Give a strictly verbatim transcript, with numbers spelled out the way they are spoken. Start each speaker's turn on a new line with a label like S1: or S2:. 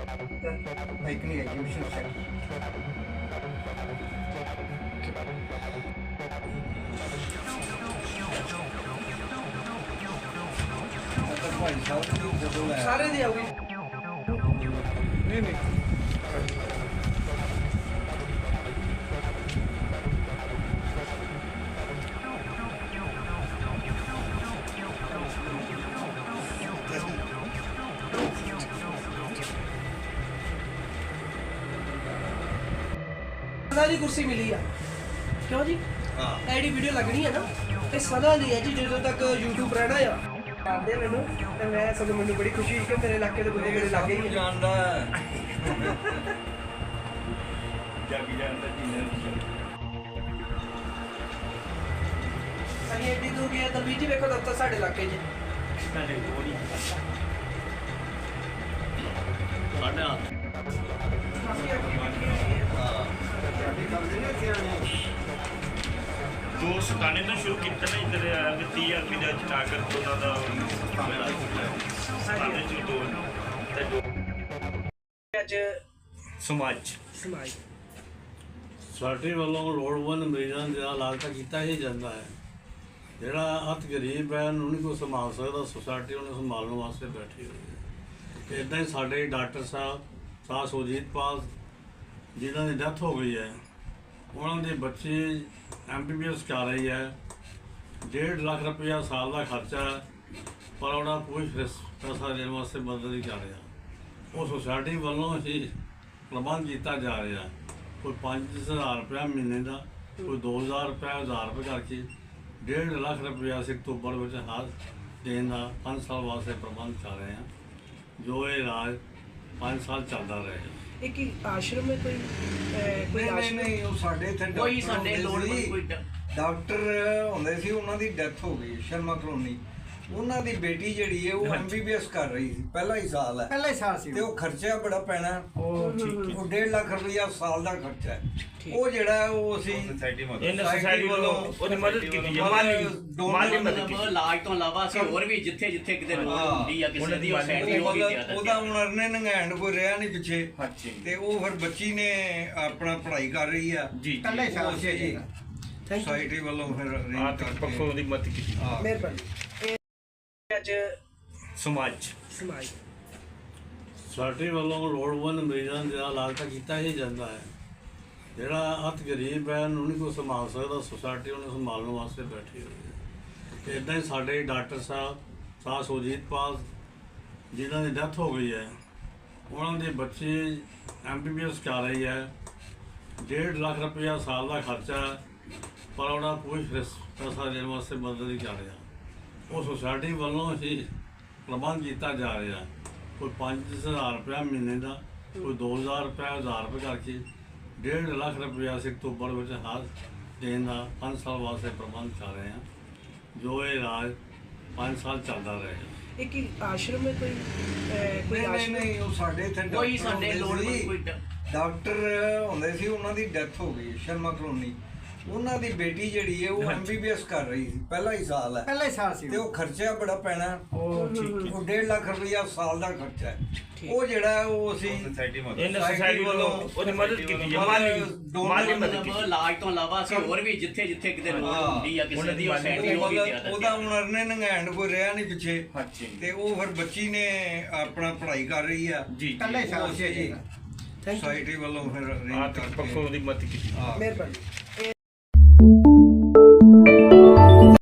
S1: Bike नहीं है mission set भाई साहब सारे दी आउगी नहीं नहीं
S2: ਦੀ ਕੁਰਸੀ ਮਿਲੀ ਆ ਕਿਉਂ ਜੀ ਹਾਂ ਐਡੀ ਵੀਡੀਓ ਲੱਗਣੀ ਹੈ ਨਾ ਤੇ ਸਦਾ ਲਈ ਹੈ ਜੀ ਜਦੋਂ ਤੱਕ YouTube ਰਹਿਣਾ ਆ ਆਂਦੇ ਮੈਨੂੰ ਤੇ ਮੈਂ ਸਗੋਂ ਮੈਨੂੰ ਬੜੀ ਖੁਸ਼ੀ ਹੋਈ ਕਿ ਮੇਰੇ ਇਲਾਕੇ ਦੇ ਬੰਦੇ ਮੇਰੇ ਲੱਗੇ ਹੀ
S1: ਜਾਣਦਾ
S3: ਜਾਗੀ ਜਾਂਦਾ ਜੀ
S2: ਅਸੀਂ ਐਡੀ ਦੂਰ ਗਏ ਤਾਂ ਵੀ ਜੀ ਵੇਖੋ ਦਫ਼ਤਰ ਸਾਡੇ ਇਲਾਕੇ 'ਚ
S3: ਸਾਡੇ ਕੋਲ ਹੀ ਸਾਡਾ
S2: ਕਾਫੀ ਐਕਟੀਵਿਟੀ ਹੈਗੀ ਹੈ
S3: ਦੋ ਸਤਾਨੇ ਤੋਂ ਸ਼ੁਰੂ ਕੀਤਾ ਨਾ ਇੱਧਰ ਟੀ ਆਰ ਪੀ ਦਾ ਸਟਾਰਟਰ ਉਹਨਾਂ ਦਾ ਸਾਡੇ ਚ ਦੋ ਤੇ ਦੋ
S2: ਅੱਜ
S3: ਸਮਾਜ
S2: ਸਮਾਜ
S4: ਸਾਡੇ ਵੱਲੋਂ ਲੋੜਵੰਦ ਮਰੀਜ਼ਾਂ ਦਾ ਇਲਾਜ ਤਾਂ ਕੀਤਾ ਹੀ ਜਾਂਦਾ ਹੈ। ਜਿਹੜਾ ਅਤ ਗਰੀਬ ਹੈ ਉਹਨੂੰ ਨਹੀਂ ਕੋਈ ਸੰਭਾਲ ਸਕਦਾ, ਸੁਸਾਇਟੀ ਉਹਨੂੰ ਸੰਭਾਲਣ ਵਾਸਤੇ ਬੈਠੀ ਹੋਈ ਹੈ। ਇੱਦਾਂ ਹੀ ਸਾਡੇ ਡਾਕਟਰ ਸਾਹਿਬ ਸਾਹ ਸੁਰਜੀਤ ਪਾਲ ਜਿਨ੍ਹਾਂ ਦੀ ਡੈਥ ਹੋ ਗਈ ਹੈ, ਉਹਨਾਂ ਦੇ ਬੱਚੇ ਐਮ ਬੀ ਬੀ ਐਸ ਕਰ ਰਹੀ ਹੈ। ਡੇਢ ਲੱਖ ਰੁਪਇਆ ਸਾਲ ਦਾ ਖਰਚਾ ਹੈ, ਪਰ ਉਹਨਾਂ ਕੋਈ ਪੈਸਾ ਦੇਣ ਵਾਸਤੇ ਮਦਦ ਨਹੀਂ ਕਰ ਰਿਹਾ। ਉਹ ਸੁਸਾਇਟੀ ਵੱਲੋਂ ਹੀ ਪ੍ਰਬੰਧ ਕੀਤਾ ਜਾ ਰਿਹਾ। ਕੋਈ ਪੰਜ ਹਜ਼ਾਰ ਰੁਪਇਆ ਮਹੀਨੇ ਦਾ, ਕੋਈ ਦੋ ਹਜ਼ਾਰ ਰੁਪਇਆ ਹਜ਼ਾਰ ਰੁਪਏ ਕਰਕੇ ਡੇਢ ਲੱਖ ਰੁਪਇਆ ਅਸੀਂ ਅਕਤੂਬਰ ਵਿੱਚ ਹਰ ਦੇਣ ਦਾ ਪੰਜ ਸਾਲ ਵਾਸਤੇ ਪ੍ਰਬੰਧ ਕਰ ਰਹੇ ਹਾਂ, ਜੋ ਇਹ ਇਲਾਜ ਪੰਜ ਸਾਲ ਚੱਲਦਾ ਰਹੇਗਾ।
S2: ਇਹ ਕੀ ਆਸ਼ਰਮ ਹੈ ਕੋਈ ਅਹ, ਕੋਈ
S1: ਨਹੀਂ ਨਹੀਂ
S2: ਆਸ਼ਰਮ
S1: ਨਹੀਂ ਉਹ ਸਾਡੇ ਇੱਥੇ
S5: ਕੋਈ
S1: ਡਾਕਟਰ
S5: ਸਾਡੇ
S1: ਹੁੰਦੇ
S5: ਲੋੜਵੰਦ
S1: ਸੀ।
S5: ਕੋਈ ਡ-
S1: ਡਾਕਟਰ ਹੁੰਦੇ ਸੀ, ਉਹਨਾਂ ਦੀ ਡੈਥ ਹੋ ਗਈ ਸ਼ਰਮਾ ਕਲੋਨੀ। ਉਹਨਾਂ ਦੀ ਬੇਟੀ ਜਿਹੜੀ ਹੈ ਉਹ ਐਮ ਬੀ ਬੀ ਐਸ ਕਰ ਰਹੀ ਸੀ, ਪਹਿਲਾ ਹੀ ਸਾਲ ਹੈ
S6: ਪਹਿਲਾ ਹੀ ਸਾਲ ਸੀ
S1: ਤੇ ਉਹ ਖਰਚਾ ਬੜਾ ਪੈਣਾ।
S6: ਉਹ ਠੀਕ
S1: ਉਹ ਡੇਢ ਲੱਖ ਰੁਪਇਆ ਸਾਲ ਦਾ ਖਰਚਾ ਹੈ। ਉਹ ਜਿਹੜਾ ਹੈ ਉਹ ਅਸੀਂ
S3: ਸੋਸਾਇਟੀ
S1: society
S3: ਇਹਨਾਂ ਸੋਸਾਇਟੀ ਵੱਲੋਂ ਉਹਦੀ ਮਦਦ ਕੀਤੀ ਹੈ, ਮਾਲੀ ਮਾਲੀ ਮਦਦ
S5: ਮਤਲਬ
S3: ਕੀਤੀ।
S5: ਇਲਾਜ ਤੋਂ ਇਲਾਵਾ ਅਸੀਂ ਹੋਰ ਵੀ ਜਿੱਥੇ ਜਿੱਥੇ ਕਿਤੇ ਲੋੜ
S1: ਹਾਂ।
S5: ਹੁੰਦੀ ਆ ਕਿਸੇ ਦੀ ਉਹ
S1: ਉਹ
S5: ਸੈਂਟੀ ਉਹ ਵੀ
S1: ਮਤਲਬ
S5: ਜ਼ਿਆਦਾ
S1: ਉਹਦਾ ਹੁਣ ਅਰਨੇ ਨੰਗੈਂਡ ਕੋਈ ਰਿਹਾ ਨਹੀਂ ਪਿੱਛੇ,
S3: ਹਾਂਜੀ
S1: ਤੇ ਉਹ ਫਿਰ ਬੱਚੀ ਨੇ ਆਪਣਾ ਪੜ੍ਹਾਈ ਕਰ ਰਹੀ ਆ।
S3: ਜੀ
S6: ਪਹਿਲਾ ਹੀ
S1: ਉਹ
S6: ਸਾਲ ਸੀ
S1: ਅਸੀਂ
S6: ਜੀ
S2: ਥੈਂਕ ਯੂ
S1: ਸੋਸਾਇਟੀ ਵੱਲੋਂ ਫਿਰ arrange
S3: ਆਰਥਿਕ
S1: ਕਰਕੇ-
S3: ਪੱਖੋਂ ਦੀ ਮਦਦ ਕੀਤੀ।
S1: ਹਾਂ।
S2: ਮਿਹਰਬਾਨੀ ਇਹ ਅੱਜ
S3: ਸਮਾਜ
S2: ਸਮਾਜ
S4: ਸਾਡੇ ਵੱਲੋਂ ਲੋੜਵੰਦ ਮਰੀਜ਼ਾਂ ਦਾ ਇਲਾਜ ਤਾਂ ਕੀਤਾ ਹੀ ਜਾਂਦਾ ਹੈ। ਜਿਹੜਾ ਅਤ ਗਰੀਬ ਹੈ ਉਹਨੂੰ ਨਹੀਂ ਕੋਈ ਸੰਭਾਲ ਸਕਦਾ, ਸੁਸਾਇਟੀ ਉਹਨੂੰ ਸੰਭਾਲਣ ਵਾਸਤੇ ਬੈਠੀ ਹੋਈ ਹੈ। ਇੱਦਾਂ ਹੀ ਸਾਡੇ ਡਾਕਟਰ ਸਾਹਿਬ ਸਾਹ ਸੁਰਜੀਤ ਪਾਲ ਜਿਨ੍ਹਾਂ ਦੀ ਡੈਥ ਹੋ ਗਈ ਹੈ, ਉਹਨਾਂ ਦੇ ਬੱਚੇ ਐਮ ਬੀ ਬੀ ਐਸ ਕਰ ਰਹੀ ਹੈ। ਡੇਢ ਲੱਖ ਰੁਪਇਆ ਸਾਲ ਦਾ ਖਰਚਾ ਹੈ, ਪਰ ਉਹਨਾਂ ਕੋਈ ਪੈਸਾ ਦੇਣ ਵਾਸਤੇ ਮਦਦ ਨਹੀਂ ਕਰ ਰਿਹਾ। ਉਹ ਸੁਸਾਇਟੀ ਵੱਲੋਂ ਹੀ ਪ੍ਰਬੰਧ ਕੀਤਾ ਜਾ ਰਿਹਾ। ਕੋਈ ਪੰਜ ਹਜ਼ਾਰ ਰੁਪਇਆ ਮਹੀਨੇ ਦਾ, ਕੋਈ ਦੋ ਹਜ਼ਾਰ ਰੁਪਇਆ ਹਜ਼ਾਰ ਰੁਪਏ ਕਰਕੇ ਡੇਢ ਲੱਖ ਰੁਪਇਆ ਅਸੀਂ ਅਕਤੂਬਰ ਵਿੱਚ ਹਰ ਦੇਣ ਦਾ ਪੰਜ ਸਾਲ ਵਾਸਤੇ ਪ੍ਰਬੰਧ ਕਰ ਰਹੇ ਹਾਂ, ਜੋ ਇਹ ਇਲਾਜ ਪੰਜ ਸਾਲ ਚੱਲਦਾ ਰਹੇਗਾ।
S2: ਇਹ ਕੀ ਆਸ਼ਰਮ ਹੈ ਕੋਈ ਅਹ, ਕੋਈ
S1: ਨਹੀਂ ਨਹੀਂ
S2: ਆਸ਼ਰਮ
S1: ਨਹੀਂ ਉਹ ਸਾਡੇ ਇੱਥੇ
S5: ਕੋਈ
S1: ਡਾਕਟਰ
S5: ਸਾਡੇ
S1: ਹੁੰਦੇ
S5: ਲੋੜਵੰਦ
S1: ਸੀ।
S5: ਕੋਈ ਡ-
S1: ਡਾਕਟਰ ਹੁੰਦੇ ਸੀ, ਉਹਨਾਂ ਦੀ ਡੈਥ ਹੋ ਗਈ ਸ਼ਰਮਾ ਕਲੋਨੀ। ਉਹਨਾਂ ਦੀ ਬੇਟੀ ਜਿਹੜੀ ਹੈ ਉਹ ਐਮ ਬੀ ਬੀ ਐਸ ਕਰ ਰਹੀ ਸੀ, ਪਹਿਲਾ ਹੀ ਸਾਲ ਹੈ
S6: ਪਹਿਲਾ ਹੀ ਸਾਲ ਸੀ
S1: ਤੇ ਉਹ ਖਰਚਾ ਬੜਾ ਪੈਣਾ।
S6: ਉਹ ਠੀਕ
S1: ਉਹ ਡੇਢ ਲੱਖ ਰੁਪਇਆ ਸਾਲ ਦਾ ਖਰਚਾ ਹੈ। ਉਹ ਜਿਹੜਾ ਹੈ ਉਹ ਅਸੀਂ
S3: ਸੋਸਾਇਟੀ ਇਹਨਾਂ
S1: society
S3: ਸੋਸਾਇਟੀ ਵੱਲੋਂ ਉਹਦੀ ਮਦਦ ਕੀਤੀ ਹੈ, ਮਾਲੀ ਮਾਲੀ ਮਦਦ
S5: ਮਤਲਬ
S3: ਕੀਤੀ।
S5: ਇਲਾਜ ਤੋਂ ਇਲਾਵਾ ਅਸੀਂ ਹੋਰ ਵੀ ਜਿੱਥੇ ਜਿੱਥੇ ਕਿਤੇ ਲੋੜ
S1: ਹਾਂ।
S5: ਹੁੰਦੀ ਆ ਕਿਸੇ ਦੀ ਉਹ ਸੈਂਟੀ
S1: ਉਹ
S5: ਉਹ ਵੀ
S1: ਮਤਲਬ
S5: ਜ਼ਿਆਦਾ
S1: ਉਹਦਾ ਹੁਣ ਅਰਨੇ ਨੰਗੈਂਡ ਕੋਈ ਰਿਹਾ ਨਹੀਂ ਪਿੱਛੇ,
S3: ਹਾਂਜੀ
S1: ਤੇ ਉਹ ਫਿਰ ਬੱਚੀ ਨੇ ਆਪਣਾ ਪੜ੍ਹਾਈ ਕਰ ਰਹੀ ਆ।
S3: ਜੀ
S6: ਪਹਿਲਾ ਹੀ
S1: ਉਹ
S6: ਸਾਲ ਸੀ
S1: ਅਸੀਂ
S6: ਜੀ
S2: ਥੈਂਕ ਯੂ
S1: ਸੋਸਾਇਟੀ ਵੱਲੋਂ ਫਿਰ arrange
S3: ਆਰਥਿਕ
S1: ਕਰਕੇ-
S3: ਪੱਖੋਂ ਦੀ ਮਦਦ ਕੀਤੀ।
S1: ਹਾਂ।
S2: ਮਿਹਰਬਾਨੀ